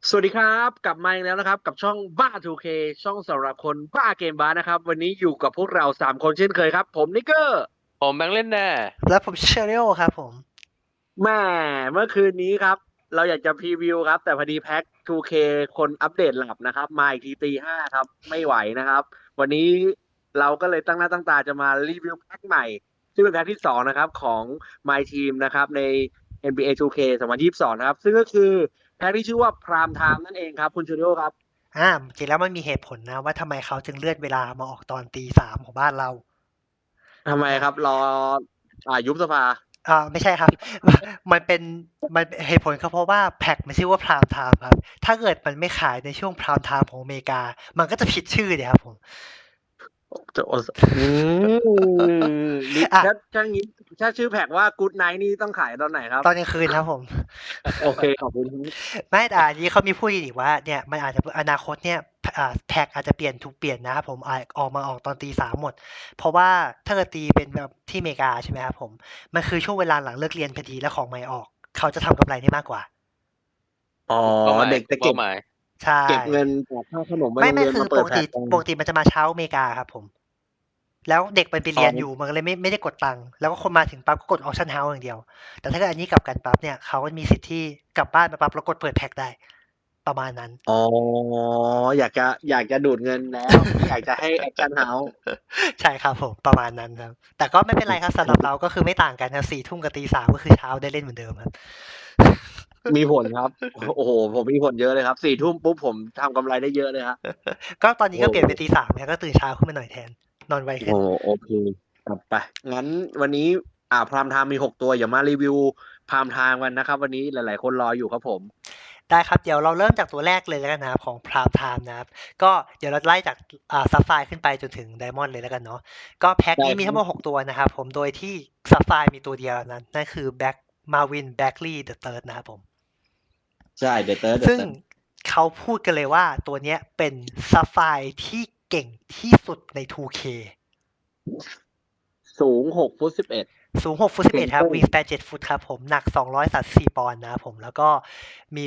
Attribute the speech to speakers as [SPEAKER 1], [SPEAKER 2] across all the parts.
[SPEAKER 1] สวัสดีครับกลับมาอีกแล้วนะครับกับช่องบ้า 2K ช่องสำหรับคนบ้าเกมบ้านะครับวันนี้อยู่กับพวกเรา3 คนเช่นเคยครับผมนิกเกอร์
[SPEAKER 2] ผมแบงค์เล่นแน่
[SPEAKER 3] แล้วผมเชอริโอครับผม
[SPEAKER 1] แม่เมื่อคืนนี้ครับเราอยากจะพรีวิวครับแต่พอดีแพ็ค 2K คนอัปเดตหลับนะครับมาอีกทีตี 5ครับไม่ไหวนะครับวันนี้เราก็เลยตั้งหน้าตั้งตาจะมารีวิวแพ็คใหม่ซึ่งเป็นแพ็คที่2นะครับของ My Team นะครับใน NBA 2K 2022นะครับซึ่งก็คือแพ็คที่ชื่อว่า Prime Time นั่นเองครับคุณชูริโอครับ
[SPEAKER 3] จริงแล้วมันมีเหตุผลนะว่าทำไมเขาจึงเลื่อนเวลามาออกตอนตี 3ของบ้านเรา
[SPEAKER 1] ทำไม
[SPEAKER 3] อ่า
[SPEAKER 1] ครับรอยุบสภา
[SPEAKER 3] ไม่ใช่ครับมันเป็นมันเหตุผลก็เพราะว่าแพ็กมันชื่อว่าพรามไทม์ครับถ้าเกิดมันไม่ขายในช่วงพรามไทม์ของอเมริกามันก็จะผิดชื่อเนี่ยครับผม
[SPEAKER 1] จะโอสอืนี่
[SPEAKER 3] อ่ะ
[SPEAKER 1] ถ้างี้ถ้าชื่อแพ็กว่า Good Night นี่ต้องขายตอนไหนครับ
[SPEAKER 3] ตอนกลางคืนครับผม
[SPEAKER 1] โอเคขอบคุณครับ
[SPEAKER 3] ไม่แต่อันนี้เขามีพูดอีกว่าเนี่ยมันอาจจะอนาคตเนี่ยแท็กอาจจะถูกเปลี่ยนนะครับผมออกตอนตี 3หมดเพราะว่าถ้าเกิดตีเป็นแบบที่อเมริกาใช่ไหมครับผมมันคือช่วงเวลาหลังเลิกเรียนพอดีแล้วของใหม่ออกเขาจะทำกำไรได้มากกว่า
[SPEAKER 1] อ๋อ
[SPEAKER 2] กลุ่มเป้าหมายก
[SPEAKER 1] เด็กจะ
[SPEAKER 2] ลุ่มเป้าหมาย
[SPEAKER 3] ใช่
[SPEAKER 1] เก็บเงินจากค่าขนมไปโรง
[SPEAKER 3] ไม่
[SPEAKER 1] เรียนมาเปิ
[SPEAKER 3] คือปกติ
[SPEAKER 1] ดแพ็กกัน
[SPEAKER 3] ปกติมันจะมาเช้าอเมริกาครับผมแล้วเด็กมันไป
[SPEAKER 1] อ๋
[SPEAKER 3] เรียนอยู่
[SPEAKER 1] อ
[SPEAKER 3] มันก็เลยไม่ได้กดตังค์แล้วก็คนมาถึงปั๊บก็กดออ t ชั่นเฮาส์อย่างเดียวแต่ถ้าเกิดอันนี้กลับกันปั๊บเนี่ยเขาก็มีสิทธิ์ที่กลับบ้านมาปั๊บแล้วกดเปิดแพ็กได้ประมาณนั้น
[SPEAKER 1] อ๋ออยากจะดูดเงินแล้วไม่อยากจะให้แอคชั่นเฮาส์
[SPEAKER 3] ใช่ครับผมประมาณนั้นครับแต่ก็ไม่เป็นไรครับสำหรับเราก็คือไม่ต่างกันครับ4 ทุ่มกับตี 3ก็คือเช้าได้เล่นเหมือนเดิมครับ
[SPEAKER 1] มีผลครับโอ้โหผมมีผลเยอะเลยครับ4 ทุ่มปุ๊บผมทำกำไรได้เยอะเลยครับ
[SPEAKER 3] ก็ตอนนี้
[SPEAKER 1] โอ้
[SPEAKER 3] ก็เปลี่ยนเป็นตี 3นะก็ตื่นเช้าขึ้นมาหน่อยแทนนอนไว
[SPEAKER 1] โห
[SPEAKER 3] ขึ้น
[SPEAKER 1] โอเคครับไปงั้นวันนี้พรามไทม์มี6 ตัวอย่ามารีวิวพรามไทม์กันนะครับวันนี้หลายๆคนรออยู่ครับผม
[SPEAKER 3] ได้ครับเดี๋ยวเราเริ่มจากตัวแรกเลยแล้วกันนะครับของ Prime Time นะครับก็เดี๋ยวเราไล่จากซัฟไฟร์ขึ้นไปจนถึง Diamond เลยแล้วกันเนาะก็แพ็ค
[SPEAKER 1] ได้
[SPEAKER 3] นี้มีทั้งหมด
[SPEAKER 1] ครับ
[SPEAKER 3] 6 ตัวนะครับผมโดยที่ซัฟไฟร์มีตัวเดียวนั้นนั่นคือ Marvin Bagley the Third นะครับผม
[SPEAKER 1] ใช่เดอะเติร์ด
[SPEAKER 3] ซึ่งเขาพูดกันเลยว่าตัวเนี้ยเป็นซัฟไฟร์ที่เก่งที่สุดใน 2K
[SPEAKER 1] สูง6 ฟุต 11
[SPEAKER 3] สูง6 ฟุต 11ครับ
[SPEAKER 1] เซนเตอร์
[SPEAKER 3] วิงสแปน7 ฟุตครับผมหนัก234 ปอนด์นะครับผมแล้วก็มี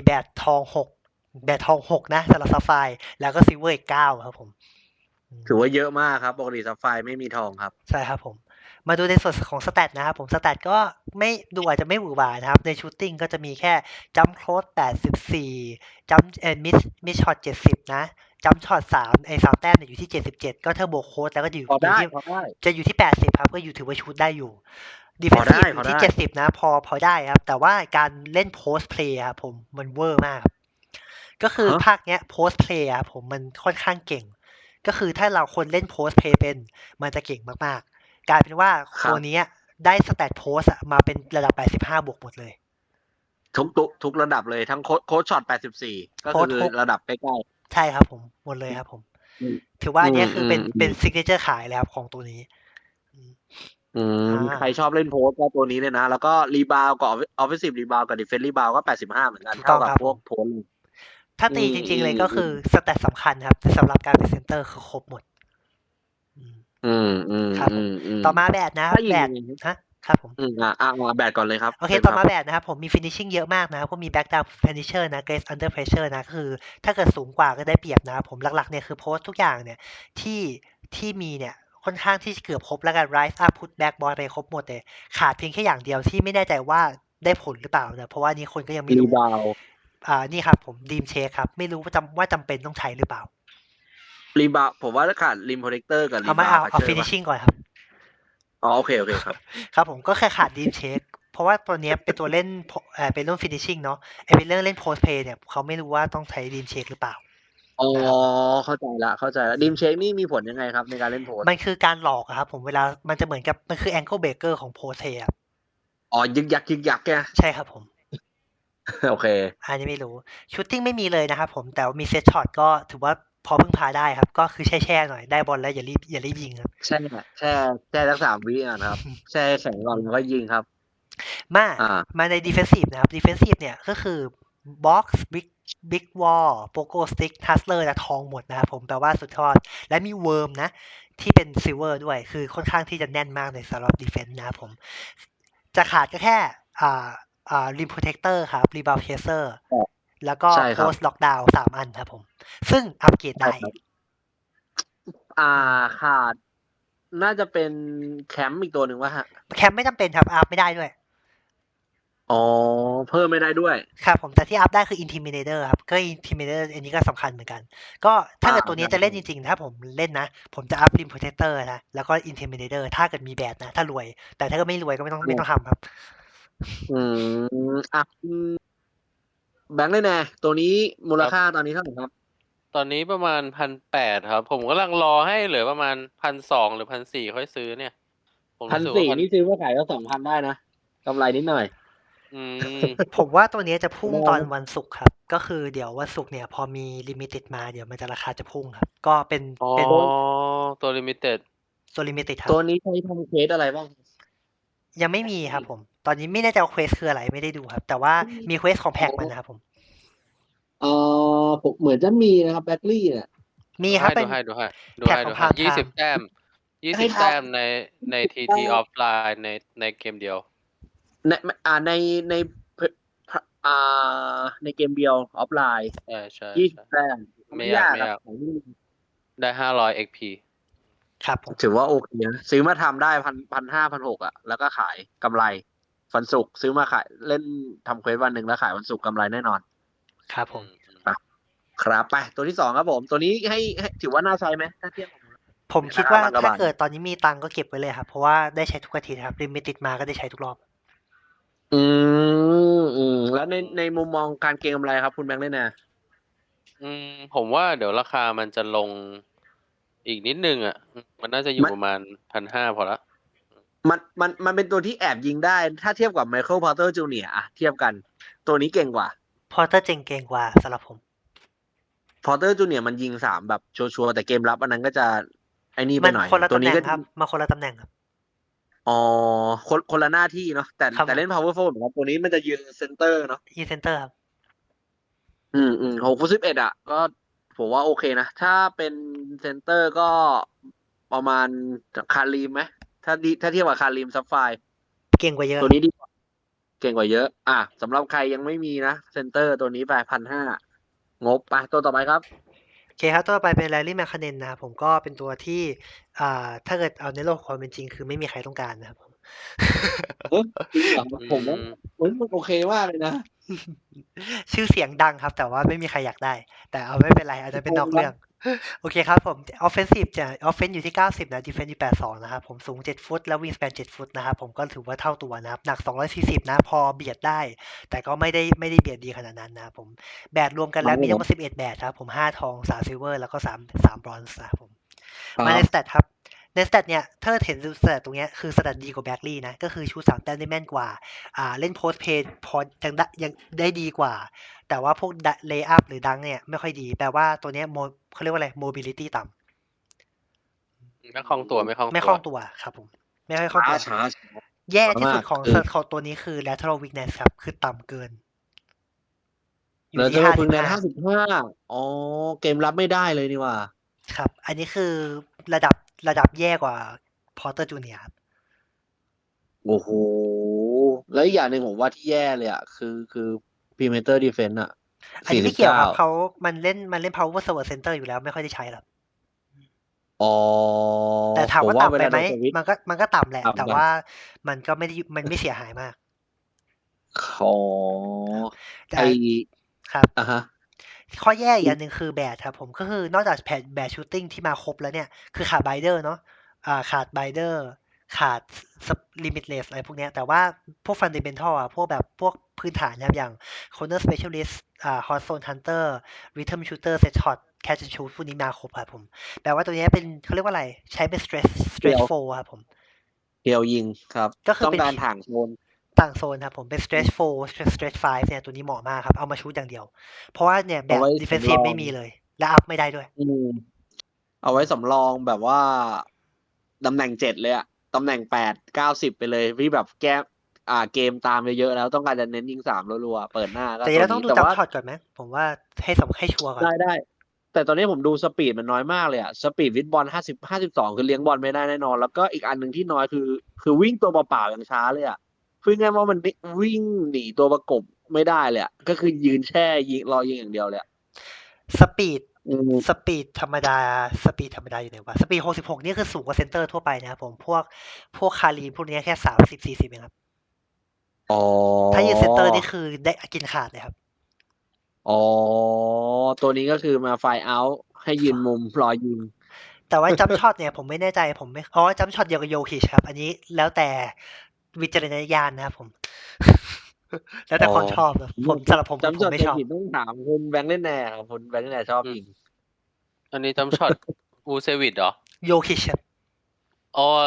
[SPEAKER 3] แบตทอง 6นะสำหรับซัฟไฟร์แล้วก็ซิลเวอร์อีก9ครับผม
[SPEAKER 1] ถือว่าเยอะมากครับปกติซัฟไฟร์ไม่มีทองครับ
[SPEAKER 3] ใช่ครับผมมาดูในส่วนของสแตทนะครับผมสแตทก็ไม่ดูอาจจะไม่หวือหวานะครับในชูตติ้งก็จะมีแค่จัมป์โคล84จัมป์มิดช็อต70นะจัมป์ช็อต3ไอ้3 แต้มเนี่ยอยู่ที่77ก็เทอร์โบโค้ดแล้วก็อยู่
[SPEAKER 1] พอได้
[SPEAKER 3] อยู่ที่
[SPEAKER 1] พอได้
[SPEAKER 3] จะอยู่ที่80ครับก็อยู่ถือว่าชูตได้อยู่
[SPEAKER 1] พอได้
[SPEAKER 3] defensive อ
[SPEAKER 1] พอได้
[SPEAKER 3] ยู่ที่70นะพอได้ครับแต่ว่าการเล่น post play ครับผมมันเวอร์มากครับก็คือ
[SPEAKER 1] ฮะ
[SPEAKER 3] ภาคเนี้ย post play ครับผมมันค่อนข้างเก่งก็คือถ้าเราคนเล่น post play เป็นมันจะเก่งมากๆกลายเป็นว่า
[SPEAKER 1] ครับ
[SPEAKER 3] ตัวนี้ได้ stat post มาเป็นระดับ85บวกหมดเลย
[SPEAKER 1] ทุกระดับเลยทั้งโค้ดช็อต84ก็คือ
[SPEAKER 3] post ทุก
[SPEAKER 1] ระดับใกล้
[SPEAKER 3] ใช่ครับผมหมดเลยครับผม
[SPEAKER 1] ๆอืม
[SPEAKER 3] ถือว่าอันเนี้ยคือเป็น
[SPEAKER 1] อืม
[SPEAKER 3] signature ขายแล้วของตัวนี้อืม
[SPEAKER 1] ใครชอ
[SPEAKER 3] อ่า
[SPEAKER 1] บเล่นโพสก็ตัวนี้เลยนะแล้วก็รีบาวกับออฟฟิศรีบาวกับดิเฟนรีบาวก็85เหมือนกัน
[SPEAKER 3] ถูก
[SPEAKER 1] เท่ากับพวก
[SPEAKER 3] ต้องครับผม
[SPEAKER 1] โพสเลย
[SPEAKER 3] ถ้า
[SPEAKER 1] อื
[SPEAKER 3] ตี
[SPEAKER 1] มอืม
[SPEAKER 3] จริงๆเลยก็
[SPEAKER 1] อืม
[SPEAKER 3] คือสแตทสำคัญครับแต่สำหรับการเป็นเซนเตอร์คือครบหมดอืม
[SPEAKER 1] อืมอืม
[SPEAKER 3] ครับผม
[SPEAKER 1] อืมอืม
[SPEAKER 3] ต่อมาแบดนะครับ
[SPEAKER 1] ถ้ายิง
[SPEAKER 3] แบด
[SPEAKER 1] ยังไงครับ
[SPEAKER 3] ฮะครับผม
[SPEAKER 1] มาแบตก่อนเลยครับ
[SPEAKER 3] โอเค
[SPEAKER 1] เชิญครับ
[SPEAKER 3] ต่อมาแบดนะครับผมมี finishing เยอะมากนะครับก็มี back down finisher นะ grace under pressure นะก็คือถ้าเกิดสูงกว่าก็ได้เปรียบนะครับผมหลักๆเนี่ยคือโพสทุกอย่างเนี่ยที่ที่มีเนี่ยค่อนข้างที่เกือบครบแล้วกัน rise up put back ball อะไรครบหมดเลยขาดเพียงแค่อย่างเดียวที่ไม่แน่ใจว่าได้ผลหรือเปล่านะเพราะว่านี้คนก็ยังไม่รู้
[SPEAKER 1] รีบาว
[SPEAKER 3] นี่ครับผม Dream Shake ครับไม่รู้ว่าจำเป็นต้องใช้หรือเปล่า
[SPEAKER 1] ผมว่าถ้าขาดริมโปรเทคเตอร์กับรี
[SPEAKER 3] เอาไม่
[SPEAKER 1] บาว
[SPEAKER 3] เอาเอา
[SPEAKER 1] พัชเชอร์ป่ะ
[SPEAKER 3] finishing ก่อนครับ
[SPEAKER 1] อ๋อโอเคครับ
[SPEAKER 3] ครับผมก็แค่ขาด deep check เพราะว่าตัวเนี้ยเป็นตัวเล่นเป็นเรื่อง finishing เนาะเป็นเรื่องเล่น post play เนี่ยเขาไม่รู้ว่าต้องใช้ deep check หรือเปล่า
[SPEAKER 1] อ๋อ
[SPEAKER 3] นะครับ
[SPEAKER 1] เข้าใจละดิมเช็คนี่มีผลยังไงครับในการเล่นโพส
[SPEAKER 3] มันคือการหลอกอะครับผมเวลามันจะเหมือนกับมันคือ ankle breaker ของ post play ครับ
[SPEAKER 1] อ๋อยึกยักแก
[SPEAKER 3] ใช่ครับผม
[SPEAKER 1] โอเค
[SPEAKER 3] อันนี้ไม่รู้ shooting ไม่มีเลยนะครับผมแต่ว่ามี set shot ก็ถือว่าพอพึ่งพาได้ครับก็คือแช่ๆหน่อยได้บอลแล้วอย่ารีบยิงครับ
[SPEAKER 1] แช่แช่สัก3 วิอ่ะนะครับแช่แข็งก่อนแล้วก็ยิงครับ
[SPEAKER 3] มา
[SPEAKER 1] อ่า
[SPEAKER 3] มาใน defensive นะครับ defensive เนี่ยก็คือ box big wall pogo stick hustler และทองหมดนะครับผมแปลว่าสุดยอดและมี worm นะที่เป็น silver ด้วยคือค่อนข้างที่จะแน่นมากในสำหรับ defense นะครับผมจะขาดก็แค่อ่าrim protector ครับ rebound chaser แล้วก็
[SPEAKER 1] ใช่ครับ
[SPEAKER 3] post lockdown 3 อันครับผม ซึ่งอัปเกรด
[SPEAKER 1] ใช่
[SPEAKER 3] ได้
[SPEAKER 1] ครับ ขาด น่าจะเป็นแคมป์อีกตัวหนึ่งวะฮะ
[SPEAKER 3] แคมป์ไม่จำเป็นครับ อัพไม่ได้ด้วย
[SPEAKER 1] อ๋อ เพิ่มไม่ได้ด้วย
[SPEAKER 3] ครับผม แต่ที่อัพได้คือ Intimidator ครับ ก็ Intimidator อันนี้ก็สำคัญเหมือนกัน ก็ถ้าเกิดตัวนี้จะเล่นจริงๆ ถ้าผมเล่นนะ ผมจะอัพ Rim Protector นะ แล้วก็ Intimidator ถ้าเกิดมีแบดนะ ถ้ารวย แต่ถ้าเกิดไม่รวยก็ไม่ต้องทำครับ
[SPEAKER 1] แบงค์ได้แน่ตัวนี้มูล
[SPEAKER 2] ครับ
[SPEAKER 1] ค่าตอนนี้เท่าไหร่ครับ
[SPEAKER 2] ตอนนี้ประมาณ 1,800 ครับ ผมกำลังรอให้เหลือประมาณ 1,200 หรือ 1,400 ค่อยซื้อเนี่ย ผมรู้สึกว่า
[SPEAKER 1] 1,400 นี่ซื้อมาขายก็ 2,000 ได้นะกำไรนิดหน่อย
[SPEAKER 2] อืม
[SPEAKER 3] ผมว่าตัวนี้จะพุ่ง
[SPEAKER 1] ได้
[SPEAKER 3] ตอนวันศุกร์ครับ ก็คือเดี๋ยววันศุกร์เนี่ยพอมี Limited มาเดี๋ยวมันจะราคาจะพุ่งครับ ก็เป็น
[SPEAKER 2] อ๋อ
[SPEAKER 3] เป็น
[SPEAKER 2] ตัว Limited
[SPEAKER 3] ตัว Limited ครั
[SPEAKER 1] ตั
[SPEAKER 3] บ
[SPEAKER 1] วนี้ใช้ทำเควสอะไรบ้าง
[SPEAKER 3] ยังไม่มีครับผม ตอนนี้ไม่แน่ใจว่าเควสคืออะไรไม่ได้ดูครับ แต่ว่ามีเควสของแพ็กมันนะครับผม
[SPEAKER 1] ผมเหมือนจะมีนะครับแบ็คลี่เนี่ย
[SPEAKER 3] มีครับเป็น
[SPEAKER 2] ดูให้
[SPEAKER 3] แพ็กของ Prime
[SPEAKER 2] 20 แต้ม
[SPEAKER 1] ให้
[SPEAKER 2] 20
[SPEAKER 1] ทำ
[SPEAKER 2] แต้มใน TT Offline ในเกมเดียว
[SPEAKER 1] ในในในเกมเดียวออฟไลน์
[SPEAKER 2] ใช่
[SPEAKER 1] 20 แต้ม
[SPEAKER 2] ไม่ยาก
[SPEAKER 1] ครับของนี่
[SPEAKER 2] ได้ 500 XP
[SPEAKER 3] ครับผม
[SPEAKER 1] ถือว่าโอเคนะซื้อมาทำได้1,500 1,600อ่ะ แล้วก็ขายกำไรวันศุกร์ซื้อมาขายเล่นทำเควสวันหนึ่งแล้วขายวันศุกร์กำไรแน่นอน
[SPEAKER 3] ครับผม
[SPEAKER 1] ครับไปตัวที่ 2ครับผม ตัวนี้ให้ถือว่าน่าใช้ไหมถ้าเทียบกับ
[SPEAKER 3] ผมคิดว่า
[SPEAKER 1] ราคา
[SPEAKER 3] ถ้าเกิดตอนนี้มีตังค์ก็เก็บไว้เลยครับ เพราะว่าได้ใช้ทุกอาทิตย์ครับ Limited มาก็ได้ใช้ทุกรอบ
[SPEAKER 1] แล้วในมุมมองการเก็งกำไรครับคุณแบงค์ได้แน่
[SPEAKER 2] ผมว่าเดี๋ยวราคามันจะลงอีกนิดนึงอ่ะ มันน่าจะอยู่ประมาณ 1,500 พอละ
[SPEAKER 1] มันเป็นตัวที่แอบยิงได้ ถ้าเทียบกับไมเคิลพอร์เตอร์จูเนียร์อะเทียบกัน ตัวนี้เก่งกว่า
[SPEAKER 3] Porter เก่งกว่าสำหรับผม
[SPEAKER 1] พอร์เตอร์จูเนียร์มันยิง3แบบชัวร์ๆแต่เกมรับอันนั้นก็จะไอ้นี่ไป
[SPEAKER 3] มัน
[SPEAKER 1] หน่อย
[SPEAKER 3] คนละ
[SPEAKER 1] ตัว
[SPEAKER 3] ตำแห
[SPEAKER 1] นี้
[SPEAKER 3] น่ง
[SPEAKER 1] ก็
[SPEAKER 3] ครับ มาคนละตำแหน่งครับ
[SPEAKER 1] อ๋อคนละหน้าที่เนาะแต่
[SPEAKER 3] ครับ
[SPEAKER 1] แต่เล่น power forward เหมือนกันตัวนี้มันจะยืนเซนเตอร์เนาะ
[SPEAKER 3] E Center ครับ
[SPEAKER 1] 6/11อ่ะ ก็ผมว่าโอเคนะ ถ้าเป็นเซนเตอร์ก็ประมาณคารีมไหมถ้าเทียบกับคารีมซับไฟ
[SPEAKER 3] เก่งกว่าเยอะ
[SPEAKER 1] ตัวนี้ดีกว่าเก่งกว่าเยอะ สำหรับใครยังไม่มีนะเซนเตอร์ตัวนี้ไป1,500งบไปตัวต่อไปครับ
[SPEAKER 3] โอเคครับ ตัวต่อไปเป็น Larry McCannen นะครับผมก็เป็นตัวที่ถ้าเกิดเอาในโลกความเป็นจริงคือไม่มีใครต้องการนะครับผม
[SPEAKER 1] จริงเหรอผมว่ามันโอเคมากเลยนะ
[SPEAKER 3] ชื่อเสียงดังครับ แต่ว่าไม่มีใครอยากได้ แต่เอาไม่เป็นไรอาจจะเป็นนอกเรื่อง โอเคครับผม offensive จะ offense อยู่ที่ 90 นะ defense อยู่82 นะครับผมสูง 7 ฟุต แล้ว wingspan 7 ฟุตนะครับผมก็ถือว่าเท่าตัวนะครับ หนัก 240 นะ พอเบียดได้ แต่ก็ไม่ได้เบียดดีขนาดนั้นนะครับผม แบดรวมกันแล้วมีทั้งหมด11 แบดครับผม 5 ทอง 3 ซิลเวอร์ แล้วก็3 บรอนซ์นะครับผม มาในสเตตครับ ในสเตตเนี่ย ถ้าเห็นสเตตตรงเนี้ยคือสเตตดีกว่าแบ็คลี่นะ ก็คือชู3 แต้มได้แม่นกว่า เล่นโพสเพย์พอยังได้ดีกว่า แต่ว่าพวกเลย์อัพหรือดังเนี่ยไม่ค่อยดี แปลว่าตัวเนี้ยเขาเรียกว่าอะไร mobility ต่ำ
[SPEAKER 2] ไม่คล่องตัว
[SPEAKER 3] ไม่คล่องตัวครับผม ไม่ค่อยคล่องตัว
[SPEAKER 1] ช้า
[SPEAKER 3] แย่ที่สุด
[SPEAKER 1] มาก
[SPEAKER 3] ของ
[SPEAKER 1] คือ
[SPEAKER 3] ของตัวนี้คือ lateral weakness ครับ คือต่ำเกิน อยู่
[SPEAKER 1] แล้ว
[SPEAKER 3] ที่
[SPEAKER 1] จะพึ่งใน
[SPEAKER 3] 55
[SPEAKER 1] 55อ๋อ เกมรับไม่ได้เลยนี่ว่า
[SPEAKER 3] ครับ อันนี้คือระดับแย่กว่า Porter Junior ครับ
[SPEAKER 1] โอ้โห แล้วอีกอย่างหนึ่งผมว่าที่แย่เลยอ่ะ คือ perimeter defense อ่ะ
[SPEAKER 3] อันนี้ไม่เกี่ยวครับ
[SPEAKER 1] 49
[SPEAKER 3] มันเล่น power forward center อยู่แล้วไม่ค่อยได้ใช้หรอก
[SPEAKER 1] อ๋อ
[SPEAKER 3] แต่ถามว่า
[SPEAKER 1] ผ
[SPEAKER 3] ต่ำไป
[SPEAKER 1] เวล
[SPEAKER 3] ไหม
[SPEAKER 1] โดนสวิตช์
[SPEAKER 3] มันก็ต่ำแหละ
[SPEAKER 1] ต่ำไป
[SPEAKER 3] แต่ว่ามันก็มันไม่เสียหายมาก
[SPEAKER 1] อ๋อ
[SPEAKER 3] แต่
[SPEAKER 1] ไอ
[SPEAKER 3] ครับ
[SPEAKER 1] ฮะ
[SPEAKER 3] ข้อแย่อีกอย่างหนึ่งคือแบดครับผมก็คือนอกจากแบดชูตติ้งที่มาครบแล้วเนี่ย คือขาดไบเดอร์เนาะขาดไบเดอร์ขาดลิมิตเลสอะไรพวกเนี้ยแต่ว่าพวกฟันเดเมนทัลพวกพื้นฐานนะครับอย่าง corner specialist hot zone hunter rhythm shooter set shot catch and shoot พวกนี้มาครบครับผมแปลว่าตัวนี้เป็นเขาเรียกว่าอะไรใช้เป็น stretch 4ครับผม
[SPEAKER 1] เพียวยิงครับ
[SPEAKER 3] ก็คือ
[SPEAKER 1] ต้อง
[SPEAKER 3] เป็น
[SPEAKER 1] การถ่างโซน
[SPEAKER 3] ต่างโซนครับผมเป็น stretch 4 stretch 5เนี่ยตัวนี้เหมาะมากครับเอามาชูตอย่างเดียว เพราะว่าเนี่ยแบบ
[SPEAKER 1] เอาไว้
[SPEAKER 3] defensive
[SPEAKER 1] สำรอง
[SPEAKER 3] ไม่มีเลย และอัพไม่ได้ด้วย
[SPEAKER 1] เอาไว้สำรองแบบว่าตำแหน่ง7เลยอะตำแหน่ง8 90ไปเลยที่แบบแก้เกมตามเยอะๆแล้วต้องการจะเน้นยิง3รัวๆเปิดหน้าก็
[SPEAKER 3] แต่
[SPEAKER 1] ตัว
[SPEAKER 3] เราต้อง
[SPEAKER 1] นี้
[SPEAKER 3] ดู
[SPEAKER 1] แต่
[SPEAKER 3] จัม
[SPEAKER 1] ว่า
[SPEAKER 3] ช็อตก่อนไหมผมว่าให้ชัวร์ก่อน
[SPEAKER 1] ได้แต่ตอนนี้ผมดูสปีดมันน้อยมากเลยอะสปีดวิดบอล52คือเลี้ยงบอลไม่ได้แน่นอน แล้วก็อีกอันหนึ่งที่น้อยคือวิ่งตัวเปล่าๆอย่างช้าเลยอะพูดง่ายๆว่ามันวิ่งหนีตัวประกบไม่ได้เลยอะก็คือยืนแช่ยิงรอยิงอย่างเดียวเลยอะ
[SPEAKER 3] สปีด
[SPEAKER 1] อืม
[SPEAKER 3] สปีดธรรมดาอยู่ไหนวะสปีด66นี่คือสูงกว่าเซนเตอร์ทั่วไปนะครับผมพวกคารีพวกนี้แค่30-40เองครับ
[SPEAKER 1] อ๋อ
[SPEAKER 3] ถ้ายืนเซนเตอร์นี่คือได้กินขาดเลยครับ
[SPEAKER 1] อ๋อตัวนี้ก็คือมาไฟล์เอาท์ให้ยืนมุมรอยิง
[SPEAKER 3] แต่ว่าจัมป์ช็อตเนี่ยผมไม่แน่ใจผมไม่จัมป์ช็อตเดียวกับโยคิชครับ อันนี้แล้วแต่วิจารณญาณนะครับผม แล้วแต่ความชอบนะผมสำหรับผม
[SPEAKER 1] จำ
[SPEAKER 3] ผ
[SPEAKER 1] ช็อ
[SPEAKER 3] ม
[SPEAKER 1] ต
[SPEAKER 3] ไม่
[SPEAKER 1] ตัว
[SPEAKER 3] ชอบ
[SPEAKER 1] ผิดต้องถามคุณแบงค์เล่นแน่ครับคุณแบงค์เล่นแน่ชอบยิง
[SPEAKER 2] อันนี้จำช็อต อูเซวิดเหรอ
[SPEAKER 3] โยคิชครับ
[SPEAKER 2] อ๋อ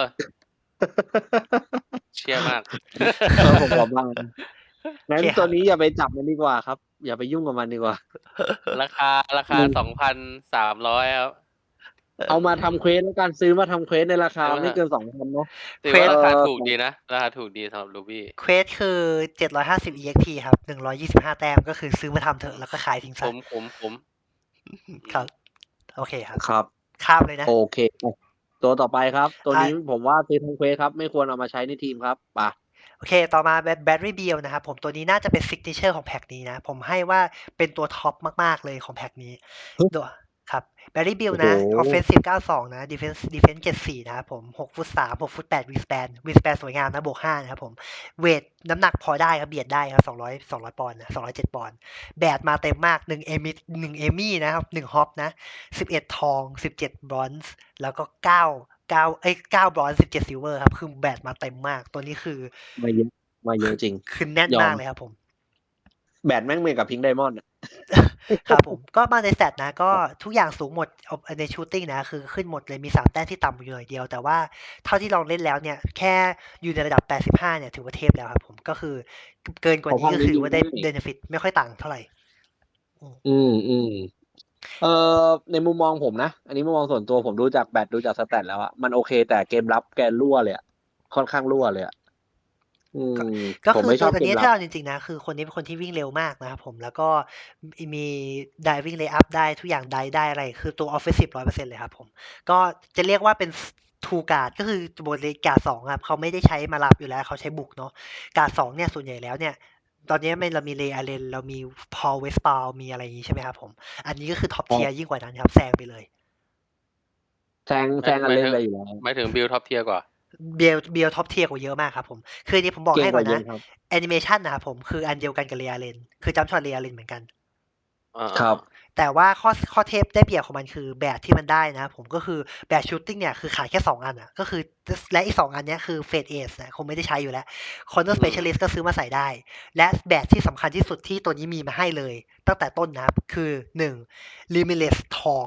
[SPEAKER 2] เชียร์มาก
[SPEAKER 1] ผมขอบ้างงั้น
[SPEAKER 3] โอเคครับ
[SPEAKER 1] ตัวนี้อย่าไปจับมันดีกว่าครับ อย่าไปยุ่งกับมันดีกว่า
[SPEAKER 2] ราคา 2,300 ครับ
[SPEAKER 1] เอามาทำเควสแล้วกันซื้อมาทำเควสในราคา
[SPEAKER 2] เอามา
[SPEAKER 1] ไม่เกิน2,000เนาะ
[SPEAKER 2] ถือว่าราคา
[SPEAKER 1] เออ
[SPEAKER 2] ถูกดีนะ ราคาถูกดีสำหรับลูบี้
[SPEAKER 3] เควสคือ750 EXP ครับ125แต้มก็คือซื้อมาทำเถอะแล้วก็ขายทิ้ง
[SPEAKER 2] ผ
[SPEAKER 3] ซะ
[SPEAKER 2] ม
[SPEAKER 3] ครับ โอเคครับ
[SPEAKER 1] ครับ
[SPEAKER 3] ข้ามเลยนะ
[SPEAKER 1] โอเค ตัวต่อไปครับ ตัวนี้ผมว่าซื้อทำเควสครับ ไม่ควรเอามาใช้ในทีมครับป่ะ
[SPEAKER 3] โอเค ต่อมาแบตเตอรี่บิลนะครับผมตัวนี้น่าจะเป็นซิกเนเจอร์ของแพ็กนี้นะ ผมให้ว่าเป็นตัวท็อปมากๆเลยของแพ็กนี้ตัวครับแบตเตอรี่บิลนะ
[SPEAKER 1] โอ้โห
[SPEAKER 3] offensive 92 นะ defense 74 นะครับผม6ฟุต3 6ฟุต8 wingspan สวยงามนะบวก5นะครับผมเวทน้ำหนักพอได้ครับเบียดได้ครับ200ปอนด์นะ207ปอนด์แบตมาเต็มมาก1เอมี่นะครับ1ฮอปนะ11ทอง17บรอนซ์แล้วก็9บรอนซ์17ซิลเวอร์ครับคือแบตมาเต็มมากตัวนี้คือ
[SPEAKER 1] มาเยอะจริง
[SPEAKER 3] คือแน่น
[SPEAKER 1] ยอม
[SPEAKER 3] มากเลยครับผม
[SPEAKER 1] แบตแม่งเหมือนกับพิงค์ไดมอนด์
[SPEAKER 3] ครับผมก็มาในสแตทนะก็ทุกอย่างสูงหมดเอาในชูตติ้งนะคือขึ้นหมดเลยมี3แต้มที่ต่ำอยู่หน่อยเดียวแต่ว่าเท่าที่ลองเล่นแล้วเนี่ยแค่อยู่ในระดับ85เนี่ยถือว่าเทพแล้วครับผมก็คือเกินกว่านี้ก็คือว่าได้เบนฟิตไม่ค่อยต่างเท่าไหร่
[SPEAKER 1] ในมุมมองผมนะ อันนี้มุมมองส่วนตัวผมดูจากแบตดูจากสแตทแล้วอะมันโอเค แต่เกมรับแกรั่วเลยอะค่อนข้างรั่วเลยอะ
[SPEAKER 3] ก็
[SPEAKER 1] ผม
[SPEAKER 3] คือ
[SPEAKER 1] ไม่ช
[SPEAKER 3] ตั
[SPEAKER 1] อ
[SPEAKER 3] ว
[SPEAKER 1] บเก
[SPEAKER 3] นี้
[SPEAKER 1] มรั
[SPEAKER 3] ถ้า
[SPEAKER 1] บ
[SPEAKER 3] เอาจริงๆนะคือคนนี้เป็นคนที่วิ่งเร็วมากนะครับผมแล้วก็มี diving layup ได้ทุกอย่างได้อะไรคือตัว offensive 100%เลยครับผมก็จะเรียกว่าเป็น two guard ก็คือบทเลยการ์ด2ครับเขาไม่ได้ใช้มารับอยู่แล้วเขาใช้บุกเนาะการ์ด2เนี่ยส่วนใหญ่แล้วเนี่ยตอนนี้เรามีเลอาเลนเรามีพอลเวสปาลมีอะไรอย่างนี้ใช่ไหมครับผมอันนี้ก็คือท็อปเทียร์ยิ่งกว่านั้นครับแซงไปเลย
[SPEAKER 1] แซงกันเล่นไปอยู่แล้ว
[SPEAKER 2] หมายถึงบิลท็อปเทียร์กว่า
[SPEAKER 3] เบลท็อปเทียร์กว่าเยอะมากครับผมคืออันนี้ผมบอก
[SPEAKER 1] เก่ง
[SPEAKER 3] ให้
[SPEAKER 1] ก
[SPEAKER 3] ก่อ
[SPEAKER 1] ว่าน เย
[SPEAKER 3] นะ
[SPEAKER 1] อะครับ
[SPEAKER 3] แอนิเมชันนะครับผมคืออันเดียวกันกับเรียเลนคือจัมป์ช็อตเรียเลนเหมือนกัน
[SPEAKER 1] ครับ
[SPEAKER 3] แต่ว่าข้อเทปได้เปรียบของมันคือแบบที่มันได้นะผมก็คือแบบชูตติ้งเนี่ยคือขายแค่2อันอ่ะก็คือและอีก2อันเนี้ยคือเฟดเอสนะคงไม่ได้ใช้อยู่แล้วคอนเนอร์สเปเชียลิสต์ก็ซื้อมาใส่ได้ และแบบที่สำคัญที่สุดที่ตัวนี้มีมาให้เลยตั้งแต่ต้นนะครับคือ1 Limitless ทอง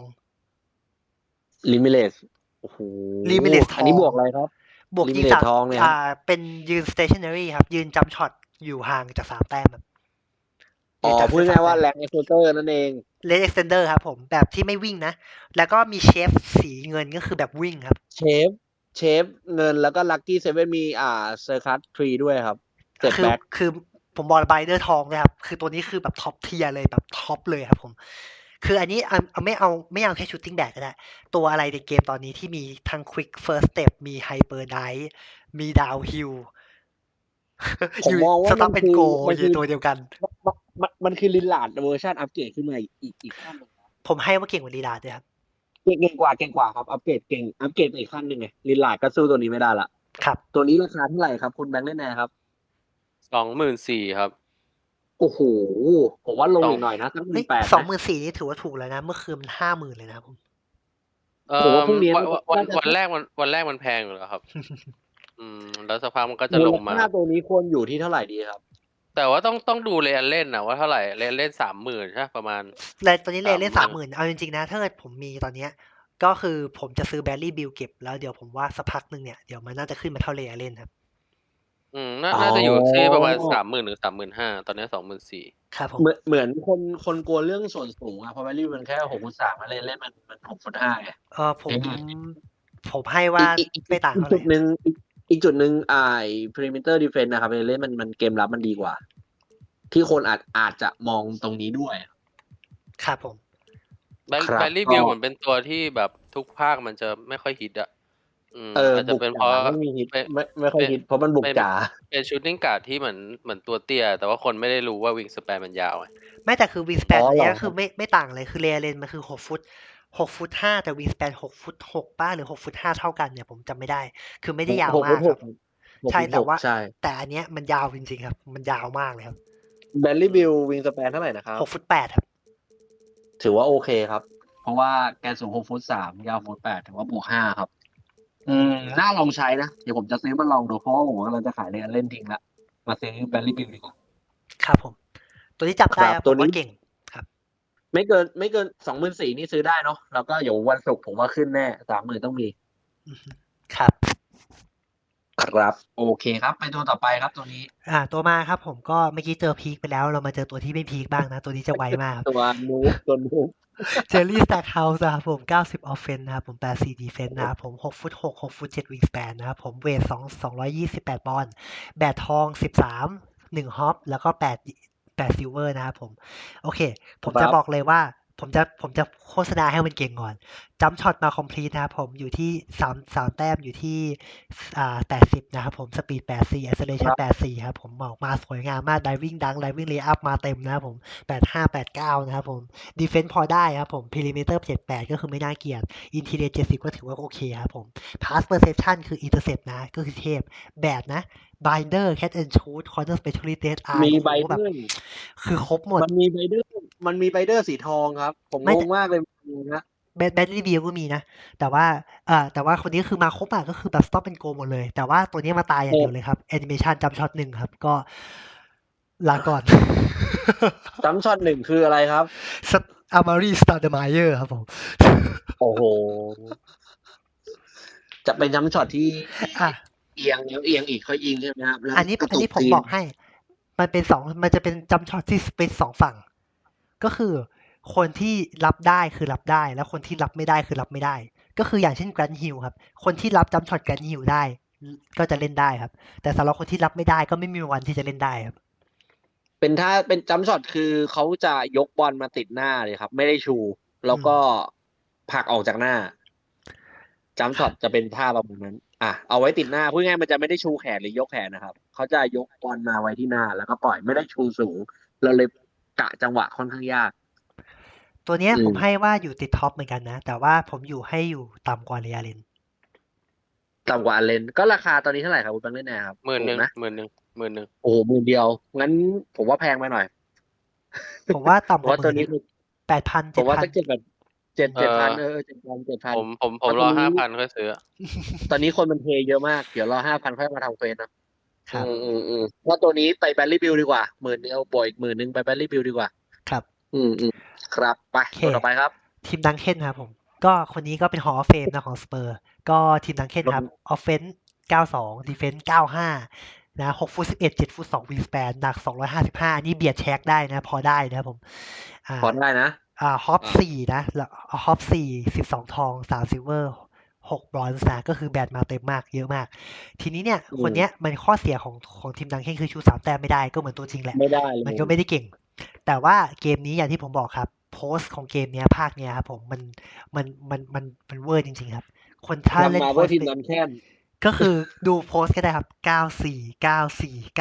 [SPEAKER 1] Limitless โอ้โห
[SPEAKER 3] Limitless
[SPEAKER 1] อันนี้
[SPEAKER 3] ทอง
[SPEAKER 1] บวกอะไรครับ
[SPEAKER 3] บวกยิง
[SPEAKER 1] Limitless
[SPEAKER 3] จาก
[SPEAKER 1] ทองเนี่ยครับ
[SPEAKER 3] เป็นยืน stationary ครับยืนจัมป์ช็อตอยู่ห่างจาก3แต้มครับ
[SPEAKER 1] อ๋อพูดง่ายๆว่าแรงเอ็กซ์เตอร์นั่นเอง
[SPEAKER 3] เลนเอ็กซ์เทนเดอร์ครับผมแบบที่ไม่วิ่งนะ แล้วก็มีเชฟสีเงินก็คือแบบวิ่งครับ
[SPEAKER 1] เชฟเงินแล้วก็ลัคกี้เซเว่นมีเซอร์คัสทรีด้วยครับเจ็ด
[SPEAKER 3] คือ
[SPEAKER 1] แบ็ค
[SPEAKER 3] คือผมบอกไบเดอร์ทองเลยครับ คือตัวนี้คือแบบท็อปเทียร์เลยแบบท็อปเลยครับผม คืออันนี้ไม่เอาแค่ชูตติ้งแบกก็ได้ ตัวอะไรในเกมตอนนี้ที่มีทั้ง Quick First Step มี Hyper Dive มี Downhill
[SPEAKER 1] ผมมองว่า
[SPEAKER 3] สต็อปเป็นโก
[SPEAKER 1] มัน
[SPEAKER 3] อ
[SPEAKER 1] คื
[SPEAKER 3] ยู่
[SPEAKER 1] อ
[SPEAKER 3] ตัวเดียวกัน
[SPEAKER 1] มันคือลินลาร์ดเวอร์ชันอัปเกรดขึ้นมาอีกขั้นหนึ่ง
[SPEAKER 3] ผมให้ว่าเก่งกว่าลีลาด้วยครับ
[SPEAKER 1] เก่งกว่าครับอัปเกรดไปอีกขั้นหนึ่งไงลินลาร์ดก็สู้ตัวนี้ไม่ได้ละ
[SPEAKER 3] ครับ
[SPEAKER 1] ตัวนี้ราคาเท่าไหร่ครับคุณแบงค์เล่นแน่ครับ
[SPEAKER 2] 24,000 ครับ
[SPEAKER 1] โอ้โหผมว่าลงอีกหน่อยนะสัก
[SPEAKER 3] เฮ้ย
[SPEAKER 1] 18,000
[SPEAKER 3] 24,000นี่ถือว่าถูกแล้วนะ เมื่อคืนมัน 50,000 เลยนะครับผม
[SPEAKER 1] ผมว่าพรุ่งนี้
[SPEAKER 2] วันแรกมันแพงอยู่แล้วครับ แล้วสักพักมันก็จะลงมา
[SPEAKER 1] มูลค่าตัวนี้ควรอยู่ที่เท่าไหร่ดีครับ
[SPEAKER 2] แต่ว่าต้องดูเรียนเล่นนะว่าเท่าไหร่เรียนเล่น 30,000 ใช่ประมาณ
[SPEAKER 3] เลยตอนนี้เลนเล่น
[SPEAKER 2] 30,000
[SPEAKER 3] 30,000เอาจริงๆนะ ถ้าเกิดผมมีตอนเนี้ยก็คือผมจะซื้อแบลลี่บิลเก็บแล้วเดี๋ยวผมว่าสักพักหนึ่งเนี่ยเดี๋ยวมันน่าจะขึ้นมาเท่าเลนเล่นครับ
[SPEAKER 2] น่าจะอยู่ที่ประมาณ 30,000 หรือ 35,000 ตอนนี้ 24,000
[SPEAKER 3] ครับผม
[SPEAKER 1] เหมือนคนกลัวเรื่องส่วนสูงอะเพราะแวลูมันแค่6.3มาเล่นมัน6.5ไง
[SPEAKER 3] ผมให้ว่าไม่ต่าง
[SPEAKER 1] อีก
[SPEAKER 3] เท่าไห
[SPEAKER 1] จุ
[SPEAKER 3] ร่
[SPEAKER 1] ดหนึ่งperimeter defense นะครับเล่นมันเกมรับมันดีกว่า ที่คนอาจจะมองตรงนี้ด้วย
[SPEAKER 3] ครับผม
[SPEAKER 1] ครับ
[SPEAKER 2] แบลลี่บิลเหมือนเป็นตัวที่แบบทุกภาคมันจะไม่ค่อยฮิตอะอาจจะ
[SPEAKER 1] บุก
[SPEAKER 2] เป็นเพ
[SPEAKER 1] จ๋า
[SPEAKER 2] ราะ
[SPEAKER 1] ไม่มีฮิต
[SPEAKER 2] เป็น
[SPEAKER 1] ไม่ค่อย
[SPEAKER 2] เป็น
[SPEAKER 1] ฮิต เพราะมันบุก
[SPEAKER 2] เป็น
[SPEAKER 1] จ๋า
[SPEAKER 2] เป็น shooting guard ที่เหมือนตัวเตี้ย แต่ว่าคนไม่ได้รู้ว่า wingspan มันยาวไง
[SPEAKER 3] ไม่แต่คือ
[SPEAKER 1] อ๋
[SPEAKER 3] wingspan
[SPEAKER 1] อ
[SPEAKER 3] ตัว
[SPEAKER 1] เหร
[SPEAKER 3] เนี้
[SPEAKER 1] อย
[SPEAKER 3] ก็คือไม่ต่างเลย คือ Ray Allen มันคือ 6 ฟุต 6 ฟุต 5 แต่ wingspan 6 ฟุต 6 เปล่า หรือ 6 ฟุต 5 เท่ากันเนี่ย ผมจำไม่ได้ คือไม่ได้ยาว
[SPEAKER 1] 6
[SPEAKER 3] มา
[SPEAKER 1] ฟุ
[SPEAKER 3] ก
[SPEAKER 1] ต
[SPEAKER 3] ครับ
[SPEAKER 1] 6
[SPEAKER 3] ใช่
[SPEAKER 1] ฟุต
[SPEAKER 3] แต่ว่า
[SPEAKER 1] 6 ใช่
[SPEAKER 3] แต่อันเนี้ยมันยาวจริง ๆ ครับ มันยาวมากเลยครับ
[SPEAKER 1] Bradley Beal wingspan เท่าไรนะครับ?
[SPEAKER 3] 6 ฟุต 8 ครับ
[SPEAKER 1] ถือว่าโอเคครับ เพราะว่าแกสูง 6 ฟุต 3 ยาว ฟุต 8 ถือว่าบวก 5 ครับ น่าลองใช้นะ เดี๋ยวผมจะซื้อมาลองดู เพราะว่าผมกำลังจะขาย Ray Allen ทิ้งแล้ว มาซื้อ Bradley Beal ดีกว่า
[SPEAKER 3] ครับผม ตัวนี้จับ
[SPEAKER 1] ค
[SPEAKER 3] ได้
[SPEAKER 1] รับ
[SPEAKER 3] ครับ
[SPEAKER 1] ตั
[SPEAKER 3] ผ
[SPEAKER 1] ว
[SPEAKER 3] ม
[SPEAKER 1] นี้
[SPEAKER 3] ว่าเก่ง ครับ
[SPEAKER 1] ไม่เกิน 24,000 นี่ซื้อได้เนาะ แล้วก็เดี๋ยววันศุกร์ผมว่าขึ้นแน่ 30,000 ต้องมี
[SPEAKER 3] อือฮึ ครับ
[SPEAKER 1] ครับ โอเคครับ ไปตัวต่อไปครับตัวนี้
[SPEAKER 3] ตัวมาครับผม ก็เมื่อกี้เจอพีกไปแล้ว เรามาเจอตัวที่ไม่พีกบ้างนะ ตัวนี้จะไวมากครับ
[SPEAKER 1] ตัวนู๊บ ตัวนู๊บ
[SPEAKER 3] Jerry Stackhouse นะครับผม 90 offense นะครับผม 84 defense นะครับผม 6 ฟุต 6 6 ฟุต 7 wingspan นะครับผม เวท 228 ปอนด์ แบดทอง 13 1 ฮอป แล้วก็ 8 ซิลเวอร์นะครับผม โอเค ผม
[SPEAKER 1] ค
[SPEAKER 3] จะ
[SPEAKER 1] รับ
[SPEAKER 3] บอกเลยว่า ผมจะโฆษณาให้มันเก่งก่อน jump shot มา complete นะครับผม อยู่ที่ 3 แต้ม อยู่ที่ 80 นะครับผม speed 84 acceleration 84 ครับผม ออกมาสวยงามมาก diving dunk diving layup มาเต็มนะครับผม 85 89 นะครับผม defense พอได้ครับผม perimeter 78 ก็คือไม่น่าเกลียด interior 70 ก็ถือว่าโอเคครับผม pass perception คือ intercept นะ ก็คือเทพ bad นะ binder catch and shoot corner specialist dead eye
[SPEAKER 1] มี
[SPEAKER 3] โอ้โฮ แบบ
[SPEAKER 1] binder
[SPEAKER 3] คือครบหมด
[SPEAKER 1] มันมี binder สีทองครับ ผม
[SPEAKER 3] ไม่
[SPEAKER 1] ง
[SPEAKER 3] แต่
[SPEAKER 1] งมากเลยนะ
[SPEAKER 3] Bradley Beal ก็มีนะ แต่ว่าคนนี้คือมาครบอะ ก็คือแบบ stop and go หมดเลย แต่ว่าตัวนี้มาตายอย่างเดียวเลยครับ แอนิเมชัน jump shot 1 ครับ ก็ลาก่อน
[SPEAKER 1] jump shot 1 คืออะไรครับ?
[SPEAKER 3] Amari Stoudemire ครับผม
[SPEAKER 1] โอ้โฮ จะเป็น jump shot ที่
[SPEAKER 3] อา
[SPEAKER 1] เอียงแล้วเอียงอีกค่อยยิงใช่ไหมครับ? แล้ว
[SPEAKER 3] อันนี้
[SPEAKER 1] กระ
[SPEAKER 3] อัน
[SPEAKER 1] ตุ
[SPEAKER 3] นี้
[SPEAKER 1] ก
[SPEAKER 3] ผม
[SPEAKER 1] ที
[SPEAKER 3] บอกให้ มันจะเป็น jump shot ที่เป็น 2 ฝั่ง ก็คือคนที่รับได้คือรับได้ แล้วคนที่รับไม่ได้คือรับไม่ได้ ก็คืออย่างเช่น Grant Hill ครับ คนที่รับ jump shot Grant Hill ได้ ก็จะเล่นได้ครับ แต่สำหรับคนที่รับไม่ได้ก็ไม่มีวันที่จะเล่นได้ครับ
[SPEAKER 1] เป็นjump shot คือเขาจะยกบอลมาติดหน้าเลยครับ ไม่ได้ชู แล้วก็ผลักออกจากหน้า jump shot จะเป็นท่าประมาณนั้น เอาไว้ติดหน้า พูดง่ายๆ มันจะไม่ได้ชูแขนหรือยกแขนนะครับ เขาจะยกบอลมาไว้ที่หน้า แล้วก็ปล่อย ไม่ได้ชูสูง เราเลยกะจังหวะค่อนข้างยาก
[SPEAKER 3] ตัวเนี้ยผมให้ว่าอยู่ติดท็อปเหมือนกันนะ แต่ว่าผมให้อยู่ต่ำกว่า Ray Allen
[SPEAKER 1] ต่ำกว่า Allen ก็ราคาตอนนี้เท่าไรครับคุณ Bangladesh ครับ? ถูกนะ
[SPEAKER 2] 11,000
[SPEAKER 1] โอ้โฮ 10,000 เดียว งั้นผมว่าแพงไปหน่อย
[SPEAKER 3] ผมว่าต่ำ
[SPEAKER 1] เพ
[SPEAKER 3] กว่า
[SPEAKER 1] ราะตัวนี้
[SPEAKER 3] 10,000 อะ 8,000
[SPEAKER 1] ผมว่าสัก
[SPEAKER 3] 7,000
[SPEAKER 1] 7,000 7,000
[SPEAKER 2] ผมรอ 5,000 ค่อยซื้ออะ
[SPEAKER 1] ตอนนี้คนมันเทเยอะมาก เดี๋ยวรอ 5,000 ค่อยมาทำเควสเนาะ
[SPEAKER 3] ครับ
[SPEAKER 1] เพราะตัวนี้ไป Bradley Beal ดีกว่า 10,000 เดียวบวกอีก 10,000 ไป Bradley Beal ดีกว่า
[SPEAKER 3] ครับ
[SPEAKER 1] ครับ ไป
[SPEAKER 3] โอเค
[SPEAKER 1] ตัวต่อไปครับ
[SPEAKER 3] Tim Duncan ครับผม ก็คนนี้ก็เป็น Hall of Fame นะของ Spurs ก็ Tim Duncan ครับ offense 92 defense 95 นะ 6 ฟุต 11 7 ฟุต 2 wingspan หนัก 255 นี่เบียด Shaq ได้นะ พอได้นะครับผม
[SPEAKER 1] พอได้นะ
[SPEAKER 3] Hop 4 นะ แล้ว Hop 4 12 ทอง 3 ซิลเวอร์ 6 บรอนซ์นะ ก็คือแบตมาเต็มมาก เยอะมาก ทีนี้เนี่ย คนเนี้ยมันข้อเสียของ Tim Duncan คือชู 3 แต้มไม่ได้ ก็เหมือนตัวจริงแหละ
[SPEAKER 1] ไม่ได้เลย
[SPEAKER 3] มันก็ไม่ได้เก่ง แต่ว่าเกมนี้อย่างที่ผมบอกครับ โพสต์ของเกมเนี้ย ภาคเนี้ยครับผม มันเวอร์จริงๆครับ คนถ้าเล่น
[SPEAKER 1] ทำมา
[SPEAKER 3] โพ
[SPEAKER 1] เพื่
[SPEAKER 3] ส
[SPEAKER 1] อ
[SPEAKER 3] ต์
[SPEAKER 1] Tim
[SPEAKER 3] เนี่ย
[SPEAKER 1] Duncan
[SPEAKER 3] ก็คือดูโพสต์ก็ได้ครับ 94 94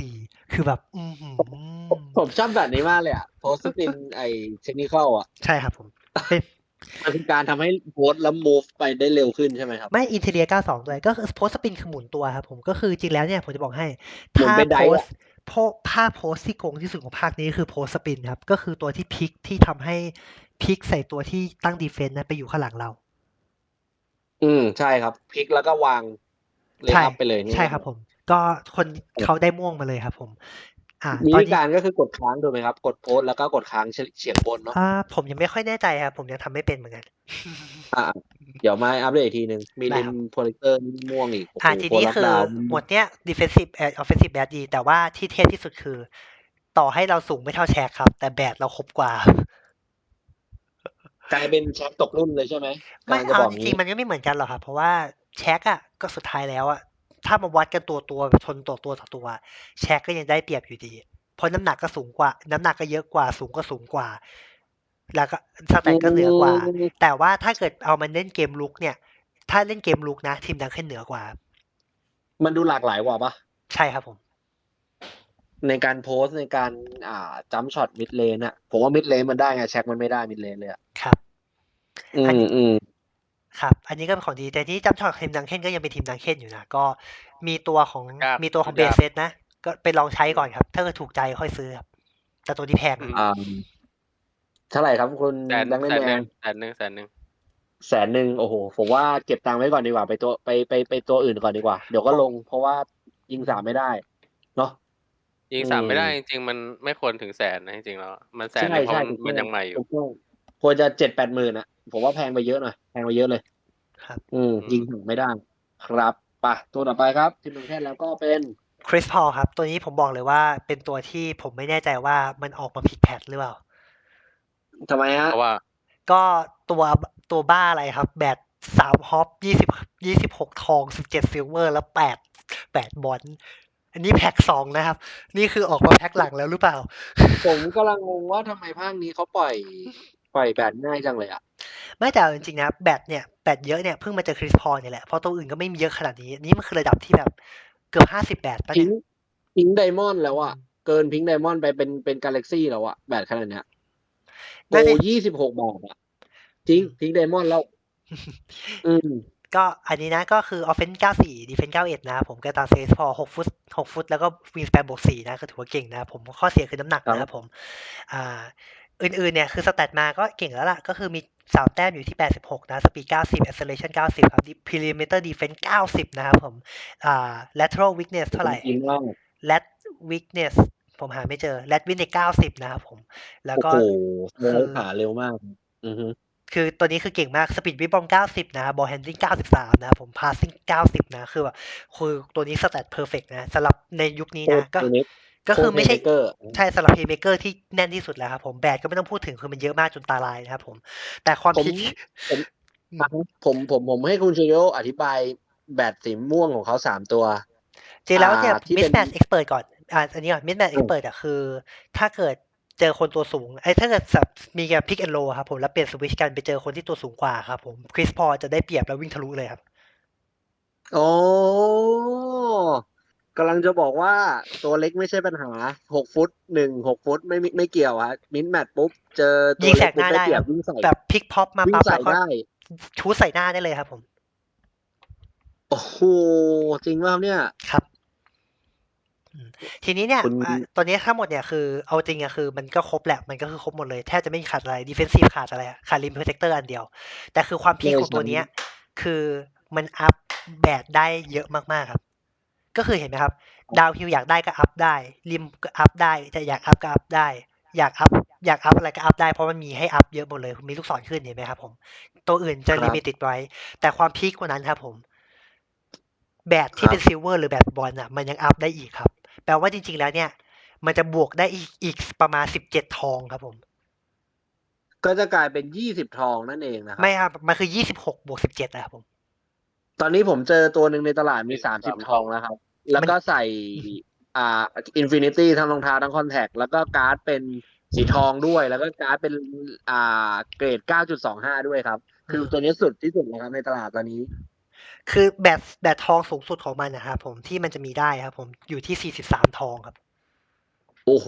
[SPEAKER 3] 94 คือแบบ อื้อฮือ
[SPEAKER 1] ผมชอบแบบนี้มากเลยอะ โพสต์ที่เป็นtechnical อะ
[SPEAKER 3] ใช่ครับผม
[SPEAKER 1] มันคือการทำให้โพสต์แล้ว move ไปได้เร็วขึ้นใช่ไหมครับ?
[SPEAKER 3] ไม่ interior 92 ด้วย ก็คือโพสต์ spin คือหมุนตัวครับผม ก็คือจริงๆแล้วเนี่ยผมจะบอกให้
[SPEAKER 1] เหมือนเป็น dive อะ
[SPEAKER 3] ถ้าโพสต์ที่โกงที่สุดของภาคนี้คือโพสต์ spin ครับ ก็คือตัวที่พลิกที่ทำให้พลิกใส่ตัวที่ตั้ง defense นะไปอยู่ข้างหลังเรา
[SPEAKER 1] ใช่ครับ พลิกแล้วก็วาง
[SPEAKER 3] ใช่
[SPEAKER 1] layup ไปเลย
[SPEAKER 3] ใช่ครับผม ก็เขาได้ม่วงมาเลยครับผม
[SPEAKER 1] วิ
[SPEAKER 3] ตอน
[SPEAKER 1] ธี
[SPEAKER 3] นี้
[SPEAKER 1] การก็คือกดค้างถูกไหมครับ? กดโพสต์แล้วก็กดค้างเฉียงบนเนาะ
[SPEAKER 3] ผมยังไม่ค่อยแน่ใจครับ ผมยังทำไม่เป็นเหมือนกัน
[SPEAKER 1] เดี๋ยวมาอัปเดตอีกทีหนึ่ง มี
[SPEAKER 3] ได้
[SPEAKER 1] rim
[SPEAKER 3] ครับ
[SPEAKER 1] protector ม่วงอีก โอ้โฮ
[SPEAKER 3] ที
[SPEAKER 1] โพส
[SPEAKER 3] นี้
[SPEAKER 1] ต์
[SPEAKER 3] คือ
[SPEAKER 1] lockdown
[SPEAKER 3] หมวดเนี้ย defensive offensive bad ดี แต่ว่าที่เท่ที่สุดคือ ต่อให้เราสูงไม่เท่า Shaq ครับ แต่แบดเราครบกว่า
[SPEAKER 1] กลายเป็น Shaq ตกรุ่นเลยใช่ไหม?
[SPEAKER 3] ไม่
[SPEAKER 1] กำลังจะ
[SPEAKER 3] เอา
[SPEAKER 1] บอก
[SPEAKER 3] จ
[SPEAKER 1] งี้
[SPEAKER 3] ริงๆ มันก็ไม่เหมือนกันหรอกครับ เพราะว่า Shaq อะ ก็สุดท้ายแล้วอะ ถ้ามาวัดกันตัวชนตัวต่อตัว Shaq ก็ยังได้เปรียบอยู่ดี เพราะน้ำหนักก็สูงกว่า น้ำหนักก็เยอะกว่า สูงก็สูงกว่า แล้วก็ stat ก็เหนือกว่า แต่ว่าถ้าเกิดเอามาเล่นเกมรุกเนี่ยถ้าเล่นเกมลุกนะทีมดังเคนเหนือกว่า
[SPEAKER 1] มันดูหลากหลายกว่าปะ
[SPEAKER 3] ใช่ครับผม
[SPEAKER 1] ในการโพสต์ในการจัมป์ช็อตมิดเลนอะผมว่ามิดเลนมันได้ไงแช็คมันไม่ได้มิดเลนเลยอะ
[SPEAKER 3] ครับ
[SPEAKER 1] อื
[SPEAKER 3] อัน
[SPEAKER 1] ม
[SPEAKER 3] นี้
[SPEAKER 1] อืม
[SPEAKER 3] ครับ อันนี้ก็เป็นของดีแต่ที่จำช็อตทีมดังเคนก็ยังเป็นทีมดังเคนอยู่นะก็มีตัวของ
[SPEAKER 2] ยาก
[SPEAKER 3] มีตัวของเบ
[SPEAKER 2] ยาก
[SPEAKER 3] สเซตนะ ก็ไปลองใช้ก่อนครับ ถ้าเกิดถูกใจค่อยซื้อครับแต่ตัวนี้แพง
[SPEAKER 2] อื
[SPEAKER 3] อะ
[SPEAKER 2] ม
[SPEAKER 1] อ่าเท่าไหร่ครับคุณ
[SPEAKER 2] แสน
[SPEAKER 1] ดังเล่น
[SPEAKER 2] แสน
[SPEAKER 1] แม
[SPEAKER 2] หนึ่
[SPEAKER 1] น
[SPEAKER 2] งแสนหนึ่งแสนหนึ่ง
[SPEAKER 1] 100,000โอ้โหผมว่าเก็บตังค์ไว้ก่อนดีกว่าไปตัวไปตัวอื่นก่อนดีกว่าเดี๋ยวก็ลง เพราะว่ายิง3ไม่ได้เนาะ
[SPEAKER 2] ยิง
[SPEAKER 1] อื
[SPEAKER 2] 3
[SPEAKER 1] ม
[SPEAKER 2] ไม่ได้จริงๆมันไม่ควรถึงแสนนะจริงๆแล้วมันแสน
[SPEAKER 1] ใช่
[SPEAKER 2] หนึ่งเพราะ
[SPEAKER 1] ใช่
[SPEAKER 2] มัน
[SPEAKER 1] ถูก
[SPEAKER 2] มัน
[SPEAKER 1] ต้
[SPEAKER 2] ยังใหม่อยู่
[SPEAKER 1] ถูกต้องควรจะ7-8 หมื่นอะผมว่าแพงไปเยอะหน่อยแพงไปเยอะเลย
[SPEAKER 3] ครับ
[SPEAKER 2] อืม
[SPEAKER 1] ยิง3ไม่ได้ ครับไปตัวต่อไปครับทีมดังเคนแล้วก็เป็น
[SPEAKER 3] คริสพอลครับ ตัวนี้ผมบอกเลยว่าเป็นตัวที่ผมไม่แน่ใจว่ามันออกมาผิดแพทหรือเปล่า
[SPEAKER 1] ทำไมฮะ
[SPEAKER 2] เพราะว่า
[SPEAKER 3] ก็ตัวบ้าอะไรครับ แบต3ฮอป26ทอง17ซิลเวอร์แล้ว8บอลอันนี้แพ็ค2นะครับ นี่คือออกมาแพ็คหลังแล้วหรือเปล่า
[SPEAKER 1] ผมกำลังงงว่าทำไมภาคนี้เขาปล่อยแบตง่ายจังเลยอะ
[SPEAKER 3] ไม่แต่เอาจริงๆนะแบตเยอะเนี่ยเพิ่งมาเจอคริสพอลเนี่ยแหละเพราะตัวอื่นก็ไม่มีเยอะขนาดนี้นี่มันคือระดับที่แบบเกือบ50แบตปะ
[SPEAKER 1] พิ
[SPEAKER 3] เนี่
[SPEAKER 1] ง
[SPEAKER 3] ย
[SPEAKER 1] พิงไดมอนด์แล้วอะเกินพิงไดมอนด์ไปเป็นกาแล็กซี่แล้วอะแบตขนาดเนี้ยโปร
[SPEAKER 3] น่าจะ
[SPEAKER 1] 26 บาทอะจริงพิงไดมอนด์แล้ว อืม
[SPEAKER 3] ก็อันนี้นะก็คือ offense 94 defense 91นะครับผมก็ตาม CS พอ6 ฟุตแล้วก็ wingspan +4นะก็ถือว่าเก่งนะครับผมข้อเสียคือน้ำหนัก
[SPEAKER 1] ครับ
[SPEAKER 3] นะครับผมอื่นๆเนี่ยคือสแตทมาก็เก่งแล้วล่ะก็คือมี3แต้มอยู่ที่86นะ speed 90 acceleration 90ครับ perimeter defense 90นะครับผมlateral weakness เท่าไหร่
[SPEAKER 1] อินว่า
[SPEAKER 3] lat weakness ผมหาไม่เจอ lat weakness 90นะครับผมแล้ว
[SPEAKER 1] โอ้
[SPEAKER 3] ก็
[SPEAKER 1] โห
[SPEAKER 3] คื
[SPEAKER 1] เร็ว
[SPEAKER 3] อ
[SPEAKER 1] ขาเร็วมาก อือฮึ
[SPEAKER 3] คือตัวนี้คือเก่งมาก speed w i บอม90นะครับ ball handling 93นะครับผม passing 90นะคือแบบคือตัวนี้ stat perfect นะสำหรับในยุคนี้
[SPEAKER 1] โค
[SPEAKER 3] นะ
[SPEAKER 1] ตรเน็ก
[SPEAKER 3] ก็คือไม่ใช่
[SPEAKER 1] เกอร์
[SPEAKER 3] ใช่สำหรับ playmaker ที่แน่นที่สุดแล้วครับผมแบดก็ไม่ต้องพูดถึงคือมันเยอะมากจนตาลายนะครับผมแต่ความ
[SPEAKER 1] ผม
[SPEAKER 3] พีค
[SPEAKER 1] ผมให้คุณเชโยอธิบายแบตสีม่วงของเขา3 ตัว
[SPEAKER 3] จริงแล้วเนี่ย
[SPEAKER 1] ที่เป็น
[SPEAKER 3] mismatch expert ก่อนอันนี้ก่อน mismatch expert คือถ้าเกิดเจอคนตัวสูงถ้าเกิดมีการ pick and roll ครับผมแล้วเปลี่ยนสวิชกันไปเจอคนที่ตัวสูงกว่าครับผมคริสพอจะได้เปรียบแล้ววิ่งทะลุเลยครับ
[SPEAKER 1] อ๋อกำลังจะบอกว่าตัวเล็กไม่ใช่ปัญหา6 ฟุต6 ฟุตไม่เกี่ยวฮะมินแมทปุ๊บเจอตั
[SPEAKER 3] ยิ
[SPEAKER 1] ว
[SPEAKER 3] งแส
[SPEAKER 1] เล็ก
[SPEAKER 3] กห
[SPEAKER 1] ปุ๊บ
[SPEAKER 3] น้า
[SPEAKER 1] ได้
[SPEAKER 3] ได้
[SPEAKER 1] เปรีย
[SPEAKER 3] ครับ บ
[SPEAKER 1] วิ่งใส่
[SPEAKER 3] แบบพลิกพ็อปมา
[SPEAKER 1] วิ่ง
[SPEAKER 3] ปั๊บ
[SPEAKER 1] ใส่
[SPEAKER 3] แล้วก็
[SPEAKER 1] ได้
[SPEAKER 3] ชูใส่หน้าได้เลยครับผม
[SPEAKER 1] โอ้โหจริงป่ะครับเนี่ย
[SPEAKER 3] ครับทีนี้เนี่ย
[SPEAKER 1] คุณ
[SPEAKER 3] ตอนนี้ทั้งหมดเนี่ยคือเอาจริงอะคือมันก็ครบแหละมันก็คือครบหมดเลยแทบจะไม่ขาดอะไร defensive ขาดอะไรขาด rim protector อันเดียว แต่คือความพีคของตัวเนี้ยคือมันอัพแบดได้เยอะมากๆครับ ก็คือเห็นไหมครับ ดาวฮิลอยากได้ก็อัพได้ริมก็อัพได้แต่อยากอัพก็อัพได้ อยากอัพอะไรก็อัพได้เพราะมันมีให้อัพเยอะหมดเลยมีลูกศรขึ้นเห็นไหมครับผมตัวอื่นจะ
[SPEAKER 1] ครับ
[SPEAKER 3] ลิมิตไว้ แต่ความพีคกว่านั้นครับผมแบดที่เป็นซิลเวอร์หรือแบดบอลอ่ะมันยังอัพได้อีกครับแปลว่าจริงๆแล้วเนี่ย มันจะบวกได้อีกประมาณ17ทองครับผม
[SPEAKER 1] ก็จะกลายเป็น20 ทองนั่นเองนะครั
[SPEAKER 3] ไม่ครับมันคือ26บวก17นะครับผม
[SPEAKER 1] ตอนนี้ผมเจอตัวหนึ่งในตลาดมี30 ทองแล้วครับ แล้วก็ใส่อินฟินิตี้ทั้งรองเท้าทั้งคอนแทคแล้วก็การ์ดเป็นสีทองด้วย แล้วก็การ์ดเป็นเกรด 9.25 ด้วยครับ คือตัวนี้สุดที่สุดนะครับในตลาดตอนนี้
[SPEAKER 3] คือแบตทองสูงสุดของมันนะครับผมที่มันจะมีได้ครับผมอยู่ที่43ทองครับ
[SPEAKER 1] โอ้โห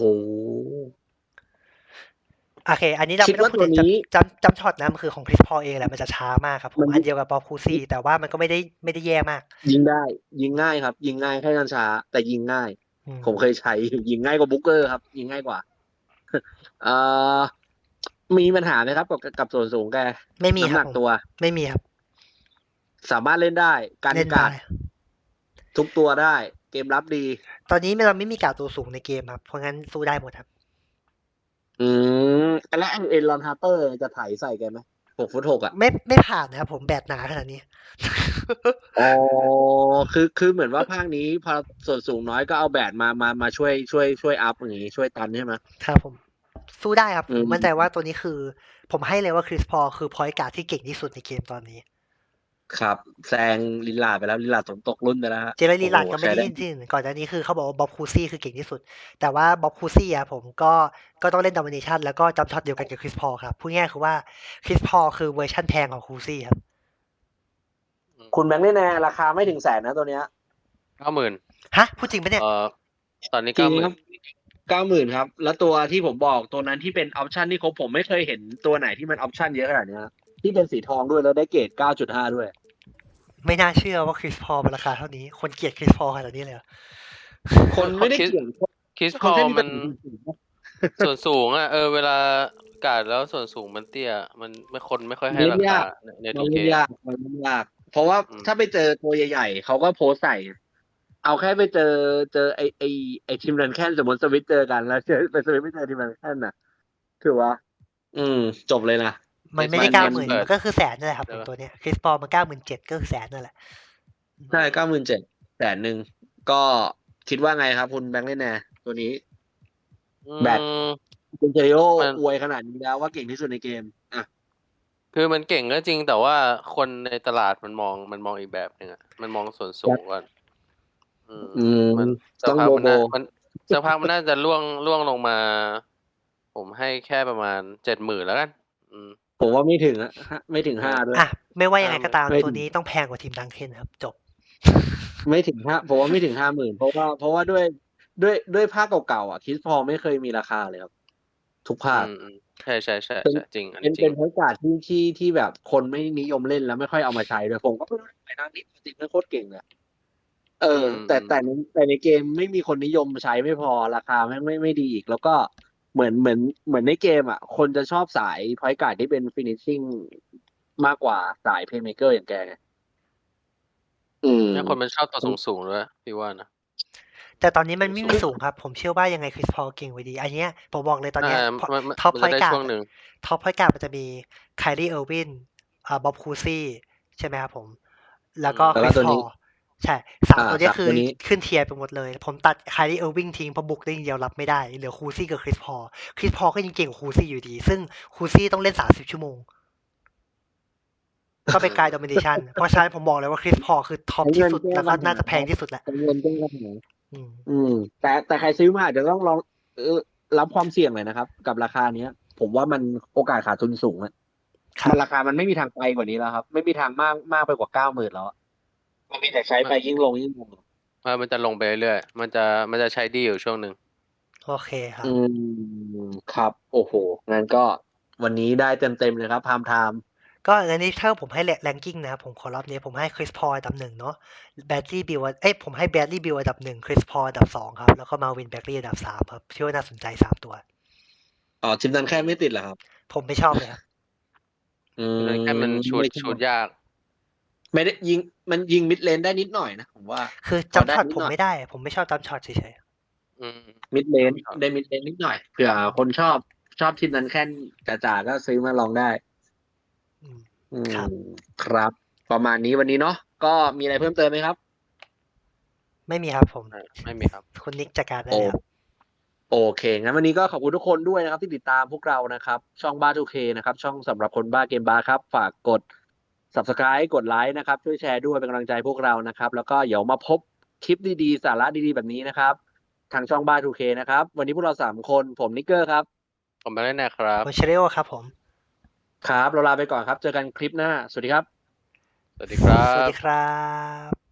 [SPEAKER 3] โอเค อันนี้เรา
[SPEAKER 1] คิด
[SPEAKER 3] ไม่ต้องพูดถึง
[SPEAKER 1] ว่าตัวนี้
[SPEAKER 3] จำช็อตนะมันคือของคริสพอลเองแหละมันจะช้ามากครับผมอันเดียวกับปอลคูซี่แต่ว่ามันก็ไม่ได้แย่มาก
[SPEAKER 1] ยิงได้ ยิงง่ายครับ ยิงง่ายแค่กัญชาแต่ยิงง่าย ผมเคยใช้ ยิงง่ายกว่าบุ๊กเกอร์ครับ ยิงง่ายกว่า มีปัญหาไหมครับกับส่วนสูงแก
[SPEAKER 3] ไม่มี
[SPEAKER 1] น้ำ
[SPEAKER 3] ค
[SPEAKER 1] ห
[SPEAKER 3] รั
[SPEAKER 1] นั
[SPEAKER 3] บ
[SPEAKER 1] ก
[SPEAKER 3] ผม
[SPEAKER 1] ตัว
[SPEAKER 3] ไม่มีครับ
[SPEAKER 1] สามารถเล่นได้การ
[SPEAKER 3] เล่น
[SPEAKER 1] กา
[SPEAKER 3] ได้
[SPEAKER 1] ดทุกตัวได้ เกมรับดี
[SPEAKER 3] ตอนนี้เราไม่มีการตัวสูงในเกมครับเพราะงั้นสู้ได้หมดครับ
[SPEAKER 1] แล้วเอ็นลอนฮาร์เปอร์จะไถใส่แกไหม6 ฟุต 6 อ่ะ
[SPEAKER 3] ไม่ผ่านนะครับผมแบตหนาขนาดนี้
[SPEAKER 1] อ๋อ คือเหมือนว่าภาคนี้พอส่วนสูงน้อยก็เอาแบตมาช่วยอัพอย่างงี้ช่วยตันใช่ไหม
[SPEAKER 3] ครับผม สู้ได้ครับ
[SPEAKER 1] อื
[SPEAKER 3] ผม มมั่นใจว่าตัวนี้คือ ผมให้เลยว่าคริสพอลคือพอยต์การ์ดที่เก่งที่สุดในเกมตอนนี้
[SPEAKER 1] ครับแซงลิลลาร์ดไปแล้วลิลลาร์ดตกรุ่นไปแล้วฮะ
[SPEAKER 3] เจเรลีลาร์ด
[SPEAKER 1] โอ้โห
[SPEAKER 3] ก็ไม่ได้
[SPEAKER 1] ใช้ได้
[SPEAKER 3] ยินที่อื่นก่อนหน้านี้คือเขาบอกว่าบ๊อบคูซี่คือเก่งที่สุด แต่ว่าบ๊อบคูซี่อะผมก็ต้องเล่นดอมิเนชันแล้วก็จำช็อตเดียวกันกับคริสพอลครับพูดง่ายๆคือว่าคริสพอลคือเวอร์ชันแพงของคูซี่ครับ
[SPEAKER 1] คุณแบงค์แน่ๆราคาไม่ถึงแสนนะตัวเนี้ย
[SPEAKER 2] 90,000
[SPEAKER 3] ฮะพูดจริงปะเนี่ย
[SPEAKER 2] ตอนนี้
[SPEAKER 1] จริงครับ
[SPEAKER 2] 90,000
[SPEAKER 1] 90,000ครับแล้วตัวที่ผมบอกตัวนั้นที่เป็นออปชันที่ครบผมไม่เคยเห็นตัวไหนที่มันออปชันเยอะขนาดเนี้ยที่เป็นสีทองด้วยแล้วได้เกรด 9.5 ด้วย
[SPEAKER 3] ไม่น่าเชื่อว่าคริสพอลมันราคาเท่านี้ คนเกลียดคริสพอลขนาดนี้เลยเหรอ
[SPEAKER 1] คนไม่ได้เกี่ยง
[SPEAKER 2] คริสพ
[SPEAKER 1] คน
[SPEAKER 2] อ
[SPEAKER 1] แค่
[SPEAKER 2] ล
[SPEAKER 1] มี
[SPEAKER 2] มัน
[SPEAKER 1] ปัญหา
[SPEAKER 2] ส่วนสูงอ่ะเวลากาดแล้วส่วนสูงมันเตี้ยมันคนไม่ค่อยให้
[SPEAKER 1] เล่น
[SPEAKER 2] ราคาย
[SPEAKER 1] าก
[SPEAKER 2] ใน
[SPEAKER 1] มัน
[SPEAKER 2] 2K
[SPEAKER 1] เล่นยากมันเล่นยาก เพราะว่า
[SPEAKER 2] อืม
[SPEAKER 1] ถ้าไปเจอตัวใหญ่ๆเขาก็โพสต์ใส่ เอาแค่ไปเจอไอทีมรันแคนสมมติสวิตเจอกันแล้วเจอไปสวิตไม่เจอทีมรันแคนน่ะถือว่า จบเลยนะ
[SPEAKER 3] มันไม่ได้
[SPEAKER 2] มัน
[SPEAKER 3] 90,000
[SPEAKER 2] เปิด
[SPEAKER 3] มันก็คือแสนนั่นแหละครับ
[SPEAKER 2] ใช่
[SPEAKER 3] ผม
[SPEAKER 2] ปะ
[SPEAKER 3] ตัวเนี้ยคริสพอลมัน97,000ก็คือแสนนั่นแหละ
[SPEAKER 1] ใช่97,000 100,000ก็คิดว่าไงครับคุณแบงค์เล่นแน่ตัวนี้ แบต คุณเจริโอ
[SPEAKER 2] มัน
[SPEAKER 1] อวยขนาดนี้แล้วว่าเก่งที่สุดในเกมอ่ะ
[SPEAKER 2] คือมันเก่งก็จริงแต่ว่าคนในตลาดมันมองอีกแบบหนึ่งอ่ะมันมองส่วนสูงก่อนมันสัก
[SPEAKER 1] ต้อง
[SPEAKER 2] พัก
[SPEAKER 1] โบ
[SPEAKER 2] มัน
[SPEAKER 1] โบ
[SPEAKER 2] สักพักมันน่าจะล่วงลงมา ผมให้แค่ประมาณ 70,000 แล้วกัน
[SPEAKER 1] ผมว่าไม่ถึงอะไม่ถึง 5 ด้วย
[SPEAKER 3] อ่ะ ไม่ว่ายังไงก็ตาม
[SPEAKER 1] ไม่ถึง
[SPEAKER 3] ตัวนี้ต้องแพงกว่าทีมดังเคนครับ จบ
[SPEAKER 1] ไม่ถึง 5ผมว่าไม่ถึง 50,000 เพราะว่าด้วยภาคเก่าๆอ่ะคิสพอลไม่เคยมีราคาเลยครับ ทุกภาค
[SPEAKER 2] ใช่จริงอัน
[SPEAKER 1] เป็
[SPEAKER 2] นี้
[SPEAKER 1] น
[SPEAKER 2] จริ
[SPEAKER 1] เป็
[SPEAKER 2] ง
[SPEAKER 1] นโอกาสที่แบบคนไม่นิยมเล่นแล้วไม่ค่อยเอามาใช้ด้วยผมก็ไม่รู้ไปนั่งนี่จริงๆโคตรเก่งเลยแต่ในเกมไม่มีคนนิยมใช้ไม่พอราคาไม่ดีอีก แล้วก็เหมือนในเกมอ่ะ คนจะชอบสายพอยต์การ์ดที่เป็นฟินิชชิ่งมากกว่าสายเพลย์เมเกอร์อย่างแกไง
[SPEAKER 2] แล้วคนมันชอบตัวสูงๆด้วยพี่ว่านะ
[SPEAKER 3] แต่ตอนนี้มันไม่มีสูงครับ ผมเชื่อว่ายังไงคริสพอลเก่งไว้ดี อันเนี้ยผมบอกเลยตอนเนี้ย
[SPEAKER 2] มัน
[SPEAKER 3] ท็อป
[SPEAKER 2] มัน
[SPEAKER 3] พอ
[SPEAKER 2] จะ
[SPEAKER 3] ย
[SPEAKER 2] ได้
[SPEAKER 3] ต์การ์
[SPEAKER 2] ช่วง
[SPEAKER 3] ด
[SPEAKER 2] หนึ่ง
[SPEAKER 3] ท็อปพอยต์การ์ดมันจะมีไคลี่เออร์วินบ๊อบคูซี่ใช่ไหมครับผม แล้วก็
[SPEAKER 1] แล้ว
[SPEAKER 3] ค
[SPEAKER 1] ก็
[SPEAKER 3] ริส
[SPEAKER 1] ตัว
[SPEAKER 3] พอ
[SPEAKER 1] นี้
[SPEAKER 3] ลใช่สามตัวเนี้ย
[SPEAKER 1] สาม
[SPEAKER 3] คือ
[SPEAKER 1] ตัวนี้
[SPEAKER 3] ขึ้นเทียร์ไปหมดเลย ผมตัดไคลี่เออร์วินทิ้งเพราะบุกได้อย่างเดียวรับไม่ได้ เหลือคูซี่กับคริสพอลก็ยังเก่งกว่าคูซี่อยู่ดี ซึ่งคูซี่ต้องเล่น30 ชั่วโมง ก็เป็นการ domination เพราะฉะนั้นผมบอกเลยว่าคริสพอลคือท็อปที่สุดแล้วก็น่าจะแพงที่สุดแหละ
[SPEAKER 1] เงินก็ไม่แพงแต่ใครซื้อมาอาจจะต้องลองรับความเสี่ยงหน่อยนะครับ กับราคาเนี้ย ผมว่ามันโอกาสขาดทุนสูงอะ
[SPEAKER 3] ครับ
[SPEAKER 1] มันราคามันไม่มีทางไปกว่านี้แล้วครับ ไม่มีทางมากไปกว่า 90,000 แล้วอะมันมีแต่ใช้ไปยิ่งลง
[SPEAKER 2] มันจะลงไปเรื่อยๆมันจะใช้ดีอยู่ช่วงหนึ่ง
[SPEAKER 3] โอเคครับ
[SPEAKER 1] ครับ โอ้โหงั้นก็วันนี้ได้เต็มเลยครับพามไทม์
[SPEAKER 3] ก็อันนี้ถ้าผมให้แรงกิ้งนะครับผมขอรอบนี้ผมให้คริสพอลอันดับ 1 เนาะแบดลี่บิลผมให้แบดลี่บิลอันดับ 1 คริสพอลอันดับ 2 ครับ แล้วก็มาวินแบกลี่อันดับ 3 ครับที่ว่าน่าสนใจ 3 ตัว
[SPEAKER 1] ทีมนั้นแค่ไม่ติดเหรอครับ
[SPEAKER 3] ผมไม่ชอบเลยครับ
[SPEAKER 2] แค่มันชูดยาก
[SPEAKER 1] ไม่ได้ยิงมันยิงมิดเลนได้นิดหน่อยนะผมว่า
[SPEAKER 3] คือจำช็อตผมไม่ได้ ผมไม่ชอบจำช็อตเฉย
[SPEAKER 1] มิดเลนได้มิดเลนนิดหน่อยเผื่อคนชอบทีมนั้นแค่จ๋าๆก็ซื้อมาลองได้
[SPEAKER 3] ๆครับ
[SPEAKER 1] ครับ ประมาณนี้วันนี้เนาะก็มีอะไรเพิ่มเติมไหมครับ
[SPEAKER 3] ไม่มีครับผม
[SPEAKER 2] ไม่มีครับ
[SPEAKER 3] คุณนิกจัดการได้เลยครับ
[SPEAKER 1] โอเคงั้นวันนี้ก็ขอบคุณทุกคนด้วยนะครับที่ติดตามพวกเรานะครับช่องบ้า 2K นะครับช่องสำหรับคนบ้าเกมบ้าครับฝากกด Subscribe กดไลค์นะครับช่วยแชร์ด้วยเป็นกำลังใจพวกเรานะครับแล้วก็เดี๋ยวมาพบคลิปดีๆสาระดีๆแบบนี้นะครับทางช่องบ้า 2K นะครับวันนี้พวกเรา3คนผมนิกเกอร์ครับ
[SPEAKER 2] ผมไปเล่นนะครับ
[SPEAKER 3] ผมเชเรโอครับผม
[SPEAKER 1] ครับเราลาไปก่อนครับเจอกันคลิปหน้าสวัสดีครับ
[SPEAKER 2] สวัสดีครั
[SPEAKER 3] สวัส
[SPEAKER 2] บ
[SPEAKER 3] ดีครับ